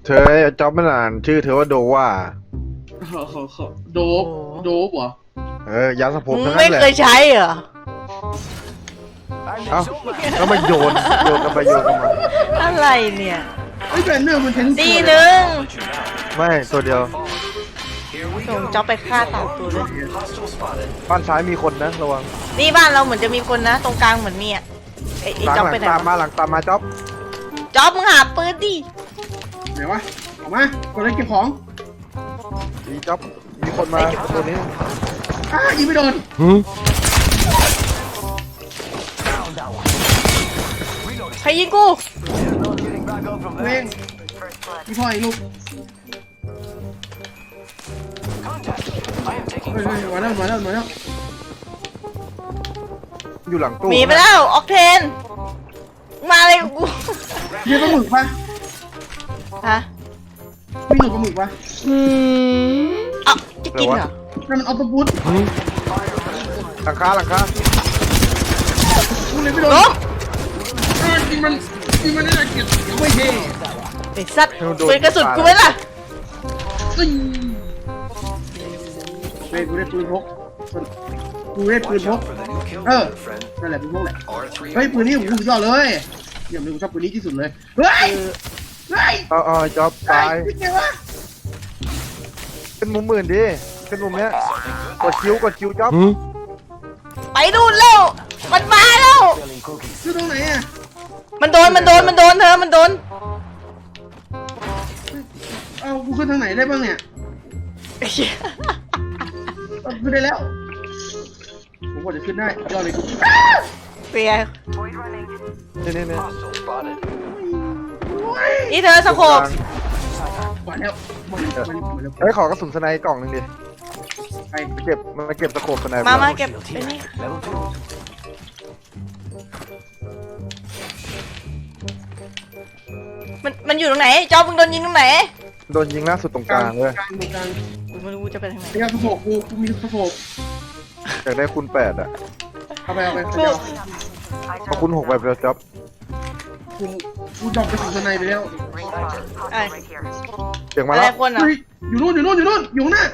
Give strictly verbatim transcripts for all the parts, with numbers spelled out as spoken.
เธอจ็อบไม่นานชื่อเธอว่าโดว่าโดบโดบเหรอเออยาสระผมมึงทั้งไม่นั้นแหละเคยใช้เหรอเอ้าแล้วมาโยนโยนกันไปโยนกันมาอะไรเนี่ยไอ้แบรนเนอร์มันเทนนิสตีหนึ่งไม่ตัวเดียวส่งจ็อบไปฆ่าสามตัวเลยบ้านซ้ายมีคนนะระวังนี่บ้านเราเหมือนจะมีคนนะ ตรงกลางเหมือนมีอ่ะไอ้ไอ้หลังจ็อบหลัไปงไหนตามมาวะหลังตามมาจ็อบจ็อบมึงหาปืนดิไหนวะออกมากดเลยเก็บของมีจ็อบมีคนมาตัวนี้อ้ายิงไม่โดนใครยิงกูเว้งพี่พ่อไอ้ลูกเฮ้ยเฮ้ยมาแล้วมาแล้วมาแล้วอยู่หลังตู้หนีไปแล้วออกเทน มาเลยกูเรียกปลาหมึกปะฮะมีหนูปลาหมึกปะอืมเอ้าจะกินเหรอนั่นมันออฟต์บูทหลังคาหลังคากูเลยไม่โดนโอ้เออยิงมันยิงมันได้เกียรติไม่เท่ไอ้สัตว์ปืนกระสุนกูไว้ล่ะซิงเฮ้ยกูได้ปืนพกกูได้ปืนพกเออนั่นแหละปืนพกแหละเฮ้ยปืนนี้ผมสุดยอดเลยเดี๋ยวผมชอบปืนนี้ที่สุดเลยเฮ้ยเฮ้ยเอาเอาจ็อบตายเป็นไงวะเป็นมุมมื่นดิเป็นมุมเนี้ยกดคิ้วกดคิ้วจ็อบไปดูนแล้ว มันมาแล้วคือตรงไหนอ่ะมันโดน มันโดน มันโดนเธอ มันโดนเอากูขึ้นทางไหนได้บ้างเนี่ยเอาขึ้นได้แล้วผมว่าจะขึ้นได้ยอดเลยกูเปียนี่นี่นี่นี่เธอสโคบมาแล้วมาแล้วมาแล้วเฮ้ยขอกระสุนสไนด์กล่องหนึงดิไปเก็บมาเก็บสโคปสไนด์มา มาเก็บไอ้นี่มัน มันอยู่ตรงไหน จอมึงโดนยิงตรงไหนโดนยิงล่าสุดตรงกลางเลยกลางกลางกูไม่รู้กูจะไปทางไหนเดี๋ยวสะโพกกูกูมีสะโพกอยากได้คูณแปดอ่ะเอาไปเอาไปกูเดี๋ยวพอคูณหกไปแล้วจ็อบกูกูดรอปไปถึงสไนไปแล้วไอ้เสียงมาอะไรแล้วคนอ่ะเฮ้ยอยู่นู่นอยู่นู่นอยู่นู่นอยู่ข้างหน้า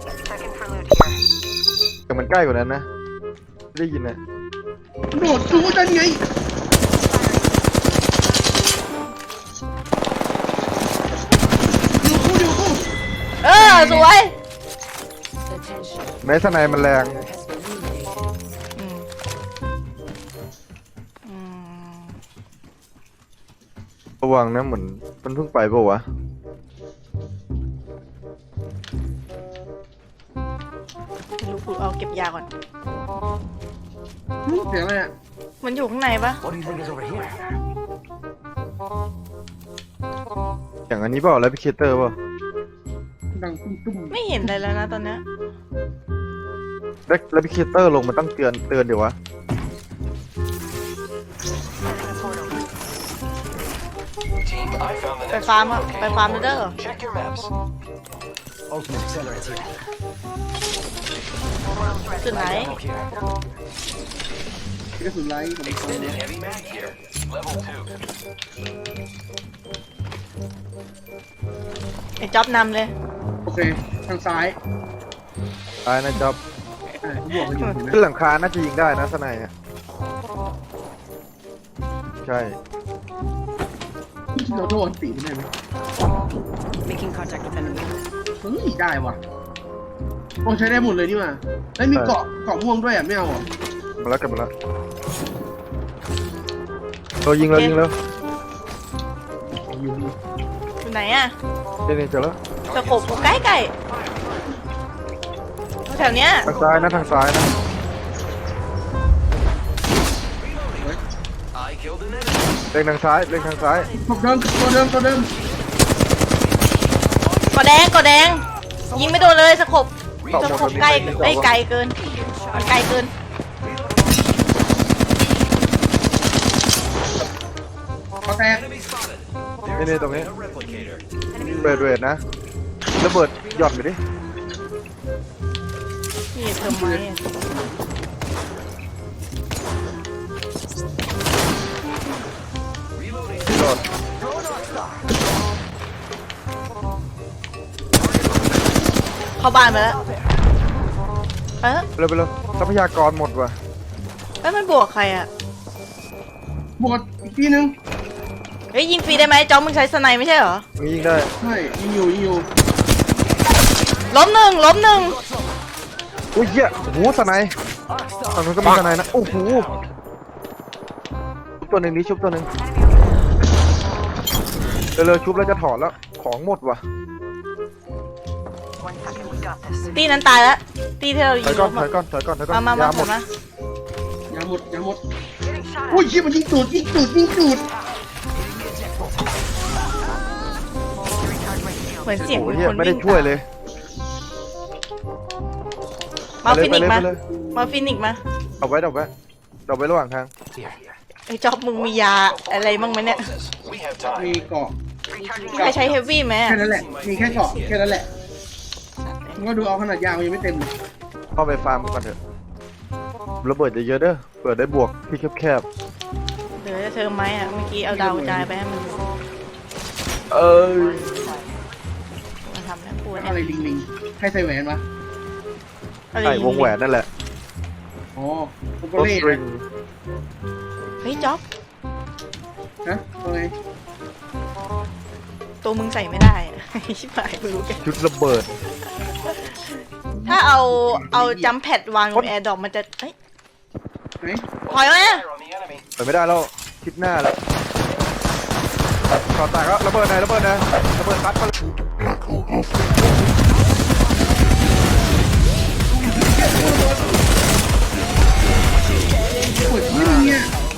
เสียงมันใกล้กว่านั้นนะไม่ได้ยินนะโดดจูกันไงอยู่กูอยู่กูเออ สวยแม้สไนด์มันแรงอืมอืมระวังนะเหมือนมันเพิ่งไปเปล่าวะไม่รู้กูเอาเก็บยาก่อนเสียงอะไรอ่ะมันอยู่ข้างในปะอย่างอันนี้เปล่าแล้วพิเคเตอร์เปล่าดังตุ้มตุ้มไม่เห็นอะไรแล้วนะตอนเนี้ยแล้วพิเคเตอร์ลงมันต้องเตือนเตือนเดี๋ยววะไปฟาร์มอะไปฟาร์มเด้อ จุดไหนกระสุนไล่ของมันไอ้จ็อบนำเลยโอเคทางซ้ายตายนะจ็อบอ่าที่บอกกันอยู่เห็นไหมขึ้นหลังคาน่าจะยิงได้นะสไนด์อะใช่เราโดนตีมันได้ไหม Making contact with enemy. เฮ้ยได้ว่ะโอ้ใช้ได้หมดเลยนี่มาแล้วมีเกาะเกาะม่วงด้วยอ่ะไม่เอาอ่ะมาแล้วกลับมาแล้วเรายิงเรายิงแล้วอยู่นี่อยู่ไหนอะนี่นี่เจอแล้วตะขบกูใกล้ใกล้แถวเนี้ยทางซ้ายนะทางซ้ายนะเล็งทางซ้ายเล็งทางซ้ายตัวเดิมตัวเดิมตัวเดิมกอแดงกอแดง ยิงไม่โดนเลยสะขบสะขบใกล้ไอ้ยไกลเกินมันไกลเกินกระแตกนี่นี่ตรงนี้เบิดเบิดนะระเบิดหย่อนไปดินี่เติมไม้อะโดดเข้าบ้านไปแล้วเออไปเลยไปเลยทรัพยากรหมดว่ะเอ้ยมันบวกใครอ่ะบวกอีกทีนึงเฮ้ยยิงฟรีได้ไหมจ๊อบมึงใช้สไนไม่ใช่เหรอมียิงได้ใช่ยิงอยู่ยิงอยู่ล้มหนึ่งล้มหนึ่งอุ้ยเหี้ยโอ้โหสไนด์ฝั่งนู้นก็มีสไนด์นะโอ้โหชุบตัวหนึ่งนี้ชุบตัวหนึ่งเร็วๆชุบแล้วจะถอดแล้วของหมดว่ะตีนั้นตายแล้วตีที่เราถยิอยงก่ล้อนมถอยก่อนถอยก่อนถอยก่อนมามาามหมยมาถอดยมายาหมดยาหมดอุ้ยเชี่ยมันยิงตูดยิงตูดยิงตูดเหมือนเสียงโอ้มีโหเหี้ยคนไม่ได้วิ่งช่วยเลยมาฟินิกซ์มาไปเลยมาฟินิกซ์มาเอาไว้เอาไว้เอาไว้ระหว่างทางไอ้จ๊อบมึงมียาอะไรบ้างไหมเนี่ยมีเกาะมีใครใช้เฮฟวี่ไหมแค่นั้นแหละมีแค่เกาะแค่นั้นแหละมึงก็ดูเอาขนาดยาวยังไม่เต็มเลยเข้าไปฟาร์มกันเถอะระเบิดเยอะๆเด้อเปิดได้บวกที่แคบเดี๋ยวจะเธอไหมอ่ะเมื่อกี้เอาดาวกระจายไปให้มันๆเออมาทำแล้วปวดอะไรลิงลิงให้ใส่แหวนวะอะไรใส่วงแหวนนั่นแหละอ๋อโอเปรถเร่สตริงเฮ้ยจ๊อบฮะว่าไงตัวมึงใส่ไม่ได้อะ ชิบหายไม่รู้แกชุดระเบิดถ้าเอาเอาจัมแพดวางบนแอร์ดรอปมันจะเฮ้ยไหนถอยมาไปไม่ได้แล้วคิดหน้าแล้วต่อแตกแล้วระเบิดไหนระเบิดไหนระเบิดซัดมาเลยปวดที่เนี่ย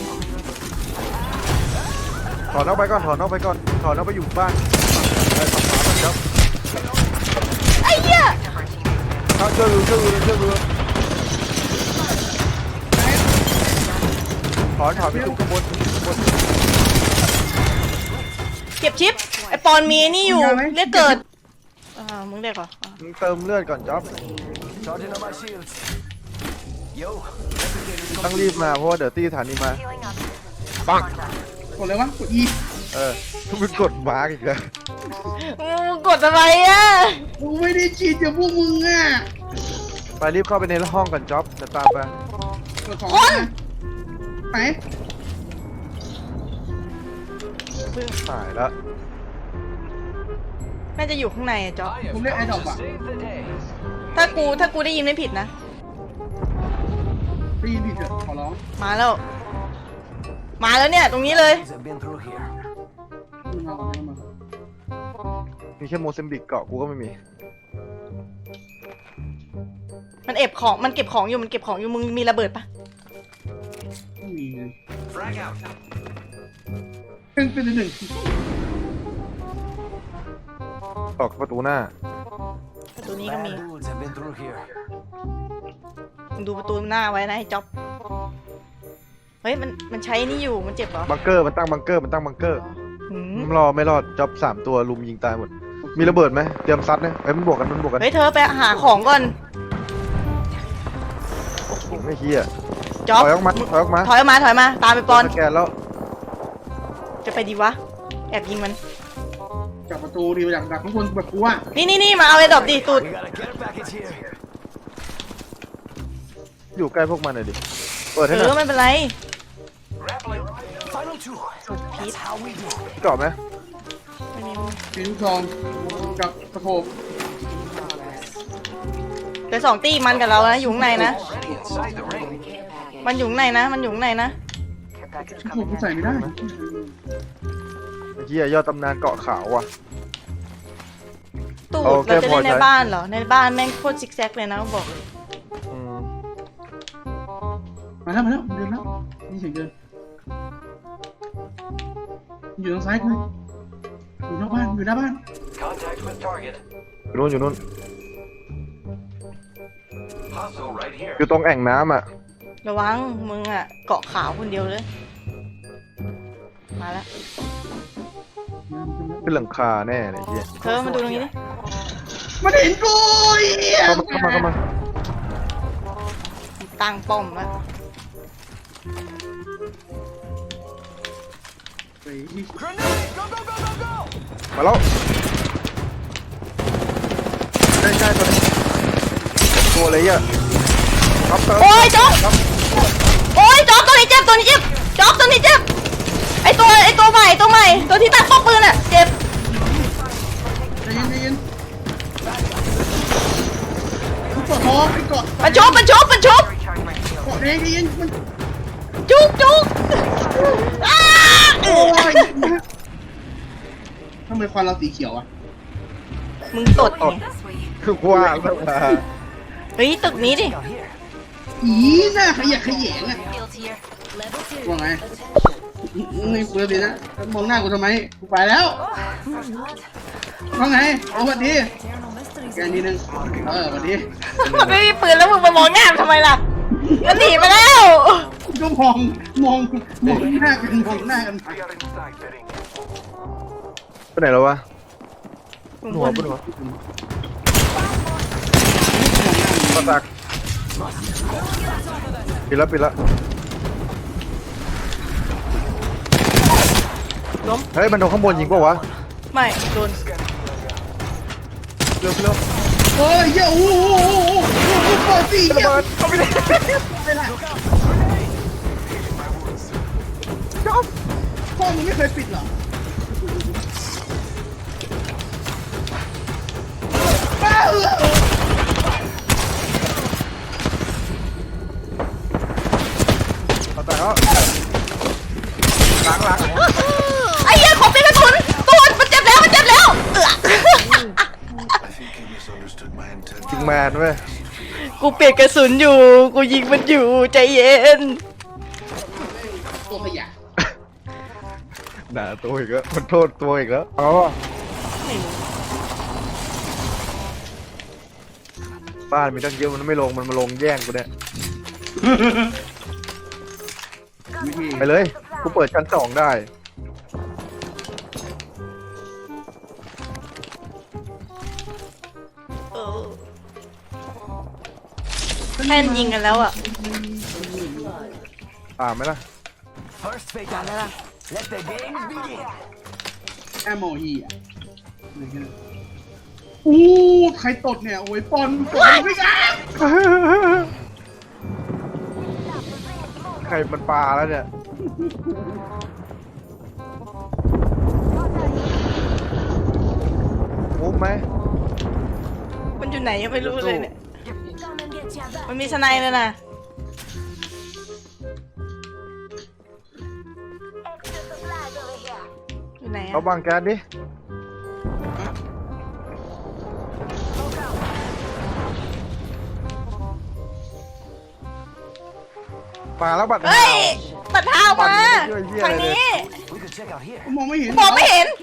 ถอนออกไปก่อนถอนออกไปก่อนถอนออกไปอยู่บ้านไปฝั่งขวาก่อนครับไอ้เหี้ยเอาเชื่อรู้เชื่อรู้เชื่อรู้ถอนถอนไปถึงข้างบนข้างบนเก็บชิปไอปอนมีไอ้นี่อยู่เรียกเกิดอ่ามึงเรียกเหรออ่ามึงเติมเลือดก่อนจ๊อบต้องรีบมาเพราะว่าเดี๋ยวตีฐานีมาปังกดเลยวะกดอีเออมึงกดมาร์กอีกแล้วมึงกดอะไรอ่ะกูไม่ได้ฉีดจากพวกมึงอ่ะไปรีบเข้าไปในห้องก่อนจ๊อบจะตามไปกดของนะไหนหายแล้วน่าจะอยู่ข้างในอะจ๊อบผมเรียกไอ้ดอกอ่ะถ้ากูถ้ากูได้ยินไม่ผิดนะได้ยินผิดเถอะขอร้องมาแล้ว มาแล้วเนี่ยตรงนี้เลยมึงมาก่อนมึงมาก่อนมีแค่โมเซมบิกเกาะกูก็ไม่มีมันเอบของมันเก็บของอยู่มันเก็บของอยู่มึงมีระเบิดปะไม่มีเลยเป็นเป็นหนึ่งออกประตูหน้าประตูนี้ก็มีมึงดูประตูหน้าไว้นะไอ้จ๊อบเฮ้ยมันมันใช้นี่อยู่มันเจ็บเหรอบังเกอร์มันตั้งบังเกอร์มันตั้งบังเกอร์หืมไม่รอไม่รอดจ็อบสามตัวลุมยิงตายหมด มีระเบิดไหมเตรียมซัดนะเอ้ยมันบวกกันมันบวกกันเฮ้ยเธอไปหาของก่อนไม่เฮียจ๊อบถอยออกมาถอยออกมาถอยออกมาถอยมาตามไปปอนสแกนแล้วจะไปดีวะแอบยิงมันจากประตูดีมาจากดักข้างบนแบบกูอ่ะนี่นี่นี่มาเอาไอ้ดอกดิตูดอยู่ใกล้พวกมันหน่อยดิเปิดเอให้หน่ออยไม่เป็นไรพีทเกาะไหมไม่มีมีลูกซองกับตะโขบเดี๋ยวสองตีมันกับเรานะอยู่ข้างในนะ มันอยู่ข้างในนะ มันอยู่ข้างในนะตะโขบกูใส่ไม่ได้ไอ้เฮียยอดตำนานเกาะขาวว่ะตูดโอเคเราจะพอเล่นในใช้บ้านเหรอ ในบ้านแม่งโคตรซิกแซกเลยนะบอกอืมมาแล้วมาแล้วเดินแล้วนี่เสียงเดินอยู่ทางซ้ายกูอยู่นอกบ้านอยู่หน้าบ้านอยู่นู่นอยู่นู่นอยู่ตรงแอ่งน้ำอ่ะระวังมึงอ่ะเกาะขาวคนเดียวเลย มาแล้วเป็นหลังคาแน่เลยเฮียเธอมาดูตรงนี้ดิมันเห็นกูเหี้ยเข้ามาเข้ามาเข้ามาตั้งป้อมแล้วเฮ้ยมาแล้วใกล้ๆตัวนี้ตัวเลยอ่ะครับโอ้ยจ๊อบโอ้ยจ๊อบตัวนี้เจ็บตัวนี้เจ็บจ๊อบตัวนี้เจ็บไอตัวไอตัวใหม่ตัวใหม่ตัวที่ตั้งป้อมปืนอ่ะเจ็บใจเย็นใจเย็นกูกดท้องไอ้เกาะมันชุบมันชุบมันชุบเกาะแดงใจเย็นมันจุกจุกอ้าโอ้ยทำไมควันเราสีเขียวอ่ะมึงตดไงคือว่าแล้วมาเฮ้ยตึกนี้ดิอีน่าขยะแขยงอ่ะว่าไงไม่เปิดเลยนะมองหน้ากูทำไมกูไปแล้วว่าไงเอาวันดีแกนิดนึงเออวันดีมันไม่มีปืนแล้วมึงมามองหน้ามันทำไมล่ะก็หนีไปแล้วก็มองมองมองหน้ากันมองหน้ากันไปไหนแล้ววะหนัวปะหนัวปะตักปิดแล้วปิดแล้วล้มเฮ้ยมันโดนข้างบนยิงป่าวะไม่โดนเร็วเร็วเฮ้ยเหี้ยโอ้โหโอ้โหโอ้โหเปิดสี่ระเหี้ยเบิดเข้าไปเลยไม่ได้พ่อมึงไม่เคยปิดเหรอบ้าเออเอาแต่แล้วหลังหลังไอ้เหี้ยขอเป็นกระสุนตูนมันเจ็บแล้วมันเจ็บแล้วเอือกจิงแมนเว้ยกูเปลี่ยนกระสุนอยู่กูยิงมันอยู่ใจเย็นตัวขยะด่าตัวอีกแล้วมันโทษตัวอีกแล้วอ๋อบ้านมีตั้งเยอะมันไม่ลงมันมาลงแย่งกูเนี่ยวิธีไปเลยกูเปิดชั้นสองได้เออแค่นยิงกันแล้วอ่ะอ่าไหมล่ะตามไหมล่ะแอมโมฮีอ่ะอู้ใครตดเนี่ยโอ้ยปอนปอนไม่กล้าใครมันปลาแล้วเนี่ยมุกไหมมันอยู่ไหนยังไม่รู้เลยเนี่ยมันมีสไนเลยนะอยู่ไหนเอาอะบังแก๊สดิมาแล้วบัตรเฮ้ยตัดเท้ามาช่วยเหี้ยทางอะไรเนี่ยนี้มองไม่เห็นมองไม่เห็น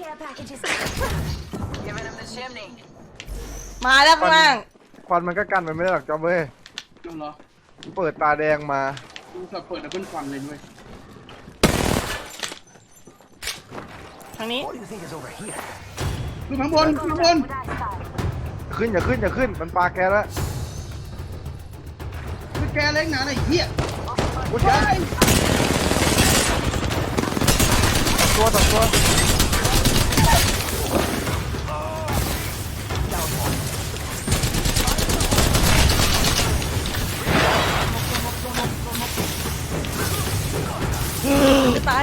มาแล้วข้างล่างควันมันก็กันมันไม่ได้หรอกจอมเว้ยเอาเหรอเปิดตาแดงมากูสับเปิดดับเบิลฟันเลยด้วยทางนี้ดูข้างบนข้างบนขึ้นอย่าขึ้นอย่าขึ้นมันปลาแกแล้วคือแกเล็กหนาไอ้เหี้ยกูใช้ตัวต่อตัวจะตาย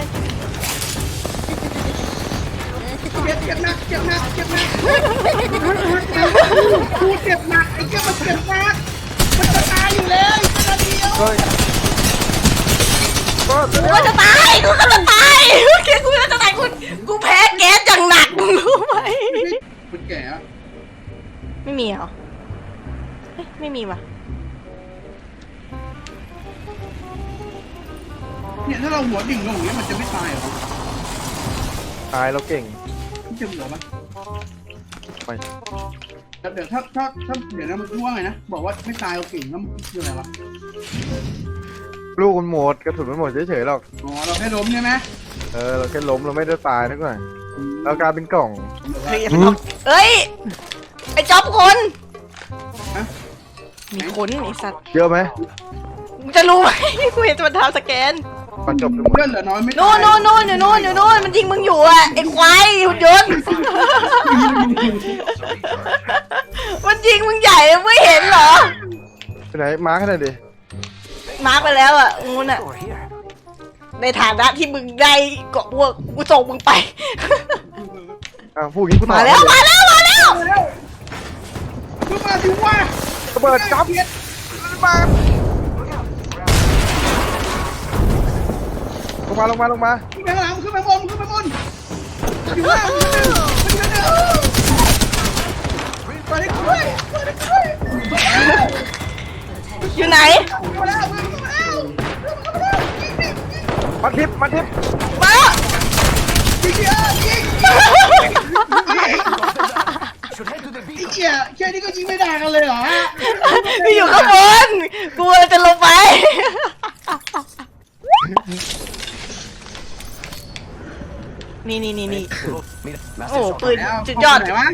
เจ็บเจ็บหนักเจ็บหนักเจ็บหนักกูเจ็บหนักไอ้เหี้ยมันเจ็บหนักมันจะตายอยู่แล้วอีกนาทีเดียวเฮ้ยก็กูก็จะตายกูก็จะตายโอเคกูก็จะตายกูกูแพ้แก๊สอย่างหนักมึงรู้ไหมมันแก่อะไม่มีเหรอเอ๊ะไม่มีว่ะเนี่ยถ้าเราหัวดิ่งลงอย่างเงี้ยมันจะไม่ตายเหรอตายเราเก่งมันจะเหลือปะไปแต่เดี๋ยวถ้าถ้าถ้าเดี๋ยวนะมันว่าไงนะบอกว่าไม่ตายเราเก่งแล้วมันคืออะไรวะลูกมันหมดกระสุนมันหมดเฉยๆหรอกอ๋อเราแค่ล้มใช่ไหมเออเราแค่ล้มเราไม่ได้ตายนักหน่อยเรากลายเป็นกล่องเฮ้ยเฮ้ยไอ้จ๊อบคนฮะมีคนไอ้สัตว์เยอะไหมมึงจะรู้ไหมกูเห็นมันทำสแกนมาจบกันหมดเพื่อนเหลือน้อยไม่ตายโน่นโน่นโน่นอยู่โน่นอยู่โน่นมันยิงมึงอยู่อ่ะไอ้ควายหุ่นยนต์ มันยิงมึงใหญ่ไม่เห็นเหรอไหนมาร์คให้หน่อยดิมาร์กไปแล้วอ่ะงูน่ะ Over here. ในฐานะที่มึงได้เกาะพวกกูส่งมึงไปอ่ะพูดอย่างนี้กูตอบมาแล้วมาแล้วมาแล้วมาแล้วมึงมาสิวะระเบิดจับมาลงมาลงมาลงมาขึ้นไปข้างหลังขึ้นไปบนขึ้นไปบนอยู่ล่างขึ้นไปขึ้นไปเดินไปดิกูด้วยไปดิกูด้วยอยู่ไหนมาแล้วมึงมาแล้วมาแล้วยิงดิมาทิปมาทิปมายิงดิยิง Should head to the ไอ้ beacon. เหี้ยแค่นี้ก็ยิงไม่ได้กันเลยเหรอฮะกูอยู่ข้างบนกูจะลงไปนี่นี่นี่นี่ Mira, โอ้ Master ปืนแล้วสุดยอดไหนวะ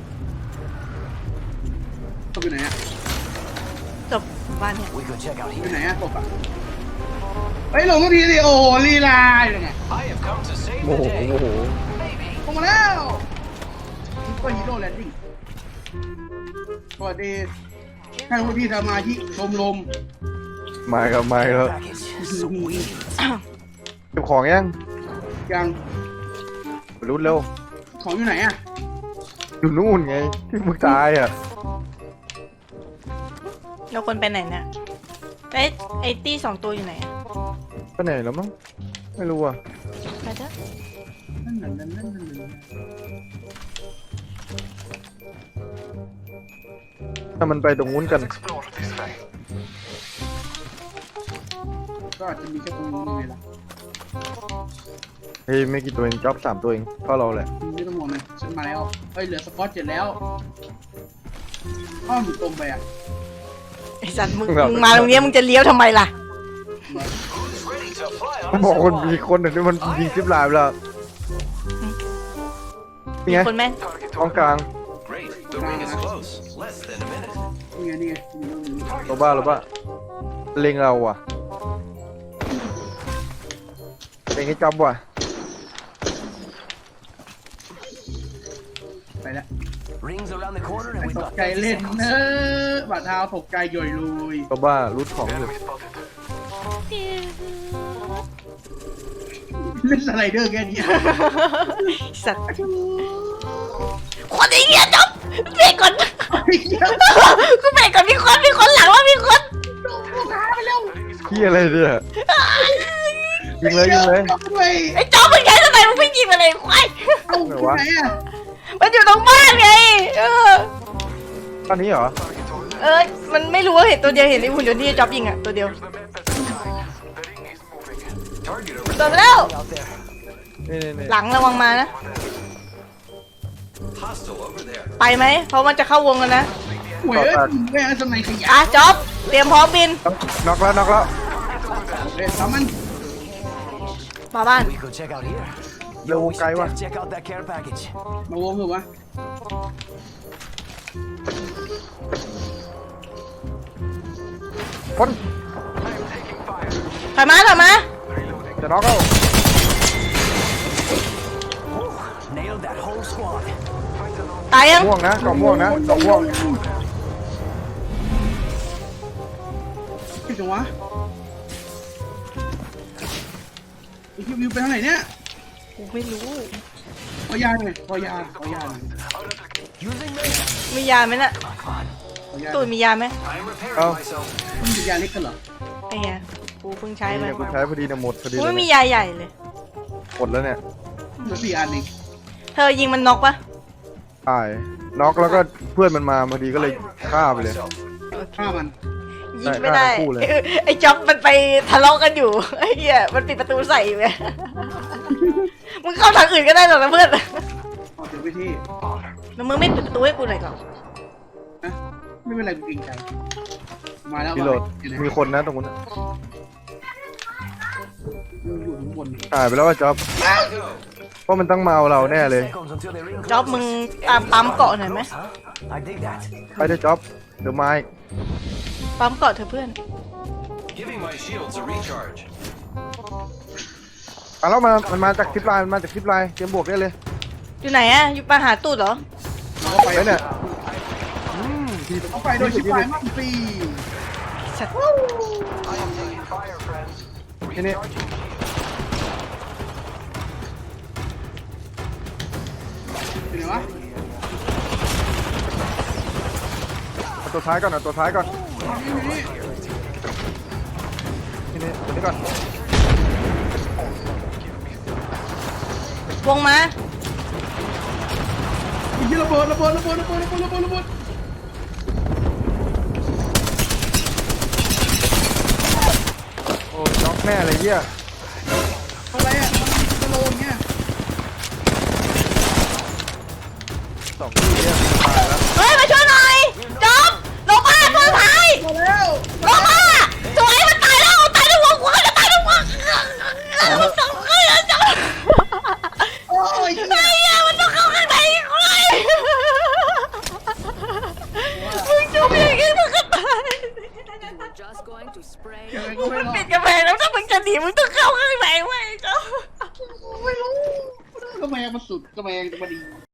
ตกอยู่ไหนอะจบบ้านเนี่ย We could check out อยู่ here. ไหนอะตกอะเฮ้ยลงทุกทีสิโอ้โหลีลาอยู่ไง I have come to save โมโหโมโหลงมาแล้วซุปเปอร์ฮีโร่แลนดิ้งสวัสดีท่านผู้ที่สมาชิกชมรมมาครับมาครับ Package. Sweet. เก็บของยังยังรู้เร็วของอยู่ไหนอะอยู่นู่นไงที่มึงตายอ่ะเราควรไปไหนเนี่ยไอ้ไอ้ตี้สองตัวอยู่ไหนอะไปไหนแล้วมั้งไม่รู้อ่ะไปเถอะนั่นนั่นนั่นนั่นนั่นถ้ามันไปตรงนู้นกันก็อาจจะมีแค่ตรงนี้ไงล่ะเฮ้ยไม่กี่ตัวเองจ็อบสามตัวเองก็เราแหละไม่ต้องห่วงเลยฉันมาแล้วเฮ้ยเหลือสกอตเจ็ดแล้วอ้อมอยู่ตรงไปอะไอ้สัตว์มึงมึงมาตรงเนี้ยมึงจะเลี้ยวทำไมล่ะ Ready to fly เขา on บอก a คน zip มี line. คนหนึ่งที่มันยิงซิปไลน์ไปแล้วนี่ไงคนแม่งท้องกลาง Great. The ring is close. Less than a minute. นี่ไงนี่ไงนี่ไงนี่ไงโรบ้าโรบ้าเล็งเราว่ะเล็งให้จ็อบว่ะไปแล้ว Rings around the corner and ต we've ก got ใจเล่นเนอะบาดเท้าตกใจย่อยลุยโรบ้ารูทของอยู่เล่นสไลเดอร์แค่นี้สัตว์คนไอ้เหี้ยจบเบรกก่อนกูเบรกก่อนมีคนมีคนหลังแล้วมีคนลูกค้าไปแล้วพี่อะไรเนี่ยยิงเลยยิงเลยด้วยไอ้จอบมึงใช้ทำไมมึงไม่ยิงอะไรควายเอ้าที่ไหนอะมันอยู่ตรงบ้านไงเออตอนนี้เหรอเออมันไม่รู้ว่าเห็นตัวเดียวเห็นไอ้หุ่นยนต์ที่จอบยิงอ่ะตัวเดียว target over ตัวไปแล้ว out there. นี่นี่นี่หลังระวังมานะ Hostile over there. ไปไหมเพราะมันจะเข้าวงกันนะหวยเอ้ยแม่งสมัยขยะอ่ะจอบเตรียมพร้อมบินน็อกแล้วน็อกแล้วเอ้ยทำมันมาบ้าน We could check out here. เร็ววงไกลว่ะ Check out that care package. มาวงเหรอวะคนถอยมาถอยมาจะน็อกแล้ว Nailed that whole squad. ตายยังม่วงนะกล่องม่วงนะกล่องม่วงคิดจังวะไอ้คิววิวไปทางไหนเนี่ยกูไม่รู้ขอยาหน่อยขอยาขอยาหน่อย Using me. มียาไหมน่ะขอยาตูนมียาไหม I'm repairing Oh. myself. มันมียาเล็กกันเหรอไอ้เหี้ยกูเพิ่งใช้ไปนี่กูใช้พอดีนะหมดพอดีกูเลไม่ยมีเนี่ยยาใหญ่เลยหมดแล้วเนี่ยเหลือสี่อันเองเธอยิงมันน็อกปะตายน็อกแล้วก็เพื่อนมันมาพอดีก็เลยฆ่าไปเลยฆ่ามันยิงไม่ได้ได้ทั้งคู่เลยไอ้จ๊อบมันไปทะเลาะกันอยู่ไอ้เหี้ยมันปิดประตูใส่อยู่ไงมึงเข้าทางอื่นก็ได้หรอกนะเพื่อนออกถึงไปที่แล้วมึงไม่ปิดประตูให้กูหน่อยก่อนนะไม่เป็นไรกูเกรงใจมาแล้วพี่โหลดอยู่ไหนมีคนนะตรงนู้นอยู่ข้างบนหายไปแล้วว่าจ็อบเพราะมันต้องมาเอาเราแน่เลย Seconds until they ring จ๊อบ close. มึงตามปั๊มเกาะหน่อยไหม Huh? I dig that. ไปเถอะจ็อบเดี๋ยวมาอีกปั๊มเกาะเธอะเพื่อน Giving my shields a recharge. อ่ะแล้วมันมันมาจากคลิปไลน์มันมาจากคลิปไลน์เตรียมบวกได้เลยอยู่ไหนอะอยู่ปาหาตูดเหรอเราก็ไปไปเนี่ยอืมทีเขาไปโดยชิบหายมั่งฟรีสัตว์นี่นี่เป็นไงวะเอาตัวท้ายก่อนเอาตัวท้ายก่อนนี่นี่นี่นี่ตัวนี้ก่อนวงมาอีกทีระเบิดระเบิดระเบิดระเบิดระเบิดระเบิดระเบิดโอ้น็อกแน่เลยเหี้ยอะไรอ่ะมันสโลว์อย่างเงี้ยสองทีเนี่ยตายแล้วเฮ้ยมาช่วยหน่อยจบลงมาตัวท้ายมาแล้วลงมาสวยมันตายแล้วตายทั้งวงกูจะตายทั้งวงมันต้องเข้าจบโอ้ยไอ้เหี้ยมันต้องเข้าข้างในเลยมึงจบอย่างงี้มึงก็ตาย Just going to spray. ยังไงมึก็งไม่มันรอปิดดกระแพงแล้วถ้ามึงจะหนีมึงต้องเข้าข้างในเว้ยจบไม่รู้กระแมงมันสุดกระแมงมันดี